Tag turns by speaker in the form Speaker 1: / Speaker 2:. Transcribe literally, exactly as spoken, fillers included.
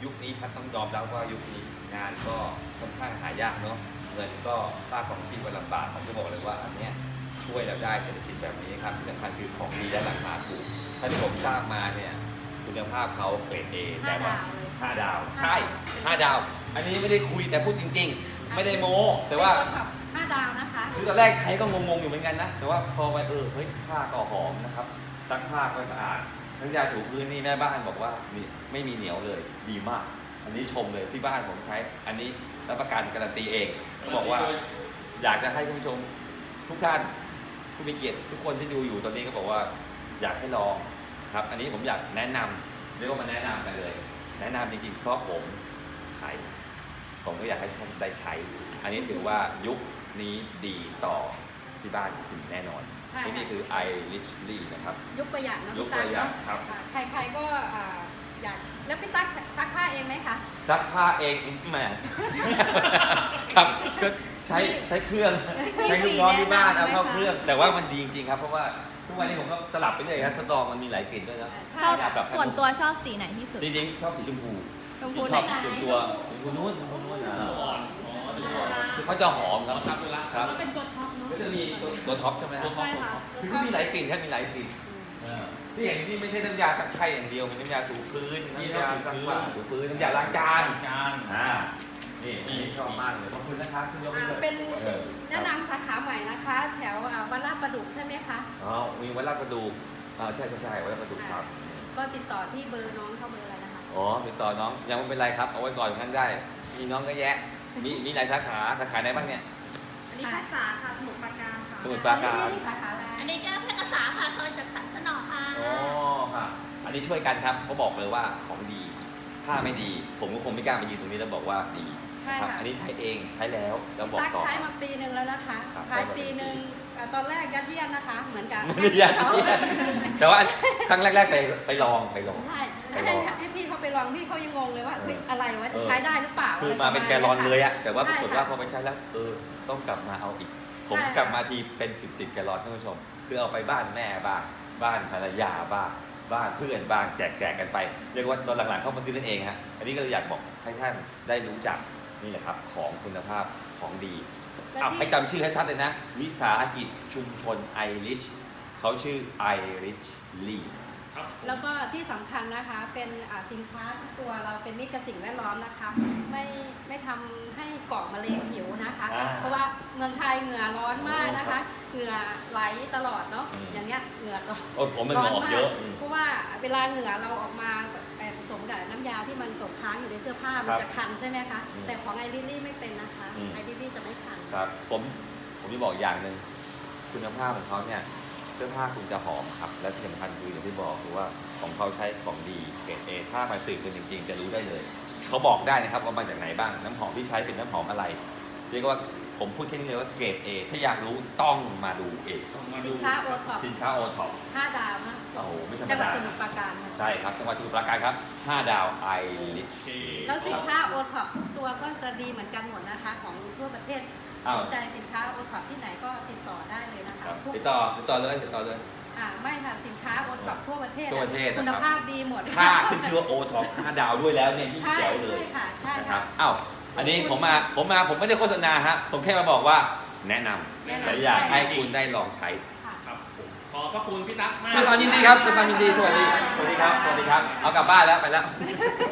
Speaker 1: ยุคนี้ครับต้องยอมรับว่ายุคนี้งานก็ค่อนข้างหายากเนาะเงินก็ค่าของชีพก็ลำบากผมจะบอกเลยว่าอันเนี้ยช่วยเราได้เศรษฐกิจแบบนี้ครับที่สำคัญคือของดีและราคาถูกถ้าที่ผมสร้างมาเนี่ยคุณภาพเขาเกรดเอแต่ว่าห้าดาวใช่ห้าดาวอันนี้ไม่ได้คุยแต่พูดจริงๆไม่ได้โม้แต่ว่า
Speaker 2: ห้าดาวนะคะ
Speaker 1: คือตอนแรกใช้ก็งงๆอยู่เหมือนกันนะแต่ว่าพอไปเออเฮ้ยผ้าก็หอมนะครับซักผ้าก็สะอาดน้ำยาถูพื้นนี่แม่บ้านบอกว่านี่ไม่มีเหนียวเลยดีมากอันนี้ชมเลยที่บ้านผมใช้อันนี้รับประกันการันตีเองบอกว่าอยากจะให้คุณผู้ชมทุกท่านผู้มีเกียรติทุกคนที่ดูอยู่ตอนนี้ก็บอกว่าอยากให้ลองครับอันนี้ผมอยากแนะนำเรียกว่ามาแนะนำกันเลยแนะนำจริงๆเพราะผมใช้ผมก็อยากให้ท่านได้ใช้อันนี้ถือว่ายุคนี้ดีต่อที่บ้านคุณแน่นอนที่นี่คือ ไอ Richly นะครับ
Speaker 2: ยุคประหยัดนะ
Speaker 1: ยุคประหยัดครับ
Speaker 2: ใครๆก็อยากแล้วพี่ตั๊กซักผ้าเองไหมคะ
Speaker 1: ซักผ้าเองแหมครับก็ใช้ใช้เครื่องใช้ลูกน้องที่บ้านเอาเข้าเครื่องแต่ว่ามันดีจริงๆครับเพราะว่าทุกวันนี้ผมก็สลับไปเลยครับทดลองมันมีหลายกลิ่นด้วยนะ
Speaker 3: ชอบแบบส่วนตัวชอบสีไหนที่สุด
Speaker 1: จริงๆชอบสีชมพู
Speaker 3: ชมพู
Speaker 1: ชอบส่วนตัวชมพูนุ่นชมพูนุ่นนะคือเขาจะหอมครับครับ
Speaker 2: เป็นตัวท็อปเนาะ
Speaker 1: ก็จะมีตัวท็อปใช่ไหมครับคือเขามีหลายกลิ่นแค่มีหลายกลิ่นที่อย่างนี้ไม่ใช่น้ำยาซักไข่อย่างเดียวมีน้ำยาถูพื้นน้ำยาซักผ้าถูพื้นน้ำยาล้างจานอ่านี่นี่ชอบมากเลยขอบคุณนะครับคุณยกให้เลย
Speaker 2: เป็นแนะนำสาขาใหม่นะคะแถววัดลาดประดุกใช่ไหมคะ
Speaker 1: อ๋อมีวัดลาดประดุกอ่าใช่ใช่ใช่วัดลาดประดุกครับ
Speaker 2: ก็ติดต่อที่เบอร์น้องเข้าเบอร์อะไรนะคะ
Speaker 1: อ๋อติดต่อน้องยังไม่เป็นไรครับเอาไว้ก่อนอย่างนั้นได้มีน้องก็แยะมีมีหลายสาขาสาขาไหนบ้างเนี่ย
Speaker 3: อันนี้ภาษาค่ะสมุทรปราการค่ะ
Speaker 1: สมุทรปราการ
Speaker 2: สาขาอะไร
Speaker 3: อันนี้ก็แพร่กษาค่ะซอยจัดสรรสนอค่ะ
Speaker 1: อ๋อค่ะอันนี้ช่วยกันครับเขาบอกเลยว่าของดีถ้าไม่ดีผมก็คงไม่กล้ามายืนตรงนี้แล้วบอกว่าดีครับอันนี้ใช้เองใช้แล้วแล้วบอกต่อ
Speaker 2: ใช้มาปีหนึ่งแล้วนะคะใช้ปีหนึ่งตอนแรกยัดเยียดนะคะเหมือนกัน
Speaker 1: ยัดเยียดแต่ว่าครั้งแรกๆไปไปลองไปลอง
Speaker 2: ใช่ให้ให้พี่เขาไปลองพี่เขายังงงเลยว่าอะไรวะจะใช้ได้หรือเปล่า
Speaker 1: คือมาเป็นแกลลอนเลยอะแต่ว่าปรากฏว่าพอไปใช้แล้วเออต้องกลับมาเอาอีกผมกลับมาทีเป็นสิบสิบแกลลอนท่านผู้ชมคือเอาไปบ้านแม่บ้างบ้านภรรยาบ้างบ้านเพื่อนบ้างแจกแจกกันไปเรียกว่าตอนหลังๆเข้ามาซื้อนั่นเองฮะอันนี้ก็เลยอยากบอกให้ท่านได้รู้จักนี่แหละครับของคุณภาพของดีเอาให้จำชื่อให้ชัดเลยนะวิสาหกิจชุมชนไอริชเขาชื่อไอริชลี
Speaker 2: แล้วก็ที่สำคัญนะคะเป็นสินค้าตัวเราเป็นมิตรกับสิ่งแวดล้อมนะคะไม่ไม่ทำให้ก่อมะเร็งผิวนะคะเพราะว่าเมืองไทยเหงื่อร้อนมากนะคะเหงื่อไหลตลอดเนาะอย่างเงี้ยเหงื่อก็
Speaker 1: ร้อนมาก
Speaker 2: เพราะว่าเวลาเหงื่อเราออกมาผสมกับน้ำยาที่มันตกค้างอยู่ในเสื้อผ้ามันจะคันใช่ไหมคะแต่ของไอริลลี่ไม่เป็นนะคะไอริลลี่จะไม่คัน
Speaker 1: ครับผมผมจะบอกอย่างหนึ่งคุณภาพของเขาเนี่ยเสื้อผ้าคุณจะหอมครับและที่สำคัญคืออย่างที่บอกคือว่าของเขาใช้ของดีเกรดเอถ้ามาสืบกันจริงๆจะรู้ได้เลยเขาบอกได้นะครับว่ามาจากไหนบ้างน้ำหอมที่ใช้เป็นน้ำหอมอะไรเรียกว่าผมพูดแค่นี้เลยว่าเกรดเอถ้าอยากรู้ต้องมาดูเอง
Speaker 2: สินค้าโอท็อป
Speaker 1: สินค้าโอท็อป
Speaker 2: ห้าดาวนะ
Speaker 1: โอ้โหไม่ธรรมดา
Speaker 2: จังหวัดสมุทรปราการ
Speaker 1: ใช่ครับจังหวัดสมุทรปราการครับห้าดาวไอริช
Speaker 2: แล้วสินค้าโอท็อปทุกตัวก็จะดีเหมือนกันหมดนะคะของทั่วประเทศสนใจสินค้าโอท็อปที่ไหนก็ติดต่อได้เลยนะคะ
Speaker 1: ติดต่อติดต่อเลยติดต่อเลย
Speaker 2: อ่าไม่ค่ะสินค้าโอท็อปทั่วประเทศ
Speaker 1: ทั่วประเทศ
Speaker 2: คุณภาพดีหมด
Speaker 1: ค่าขึ้นชื่อว่าโอท็อปห้าดาวด้วยแล้วเนี่ยยิ่งแจ๋วเลย
Speaker 2: ใช่ค่ะใช่
Speaker 1: ค่ะอ้าวอันนี้ผมมาผมมาผมไม่ได้โฆษณาฮะผมแค่มาบอกว่าแนะนำและอยากให้คุณได้ลองใช้
Speaker 4: ครับขอบพระคุณพี่ตั๊กมาก
Speaker 1: ด้วยความยินดีครับด้วยความยินดีสวัสดีสวัสดีครับสวัสดีครับเอากลับบ้านแล้วไปแล้ว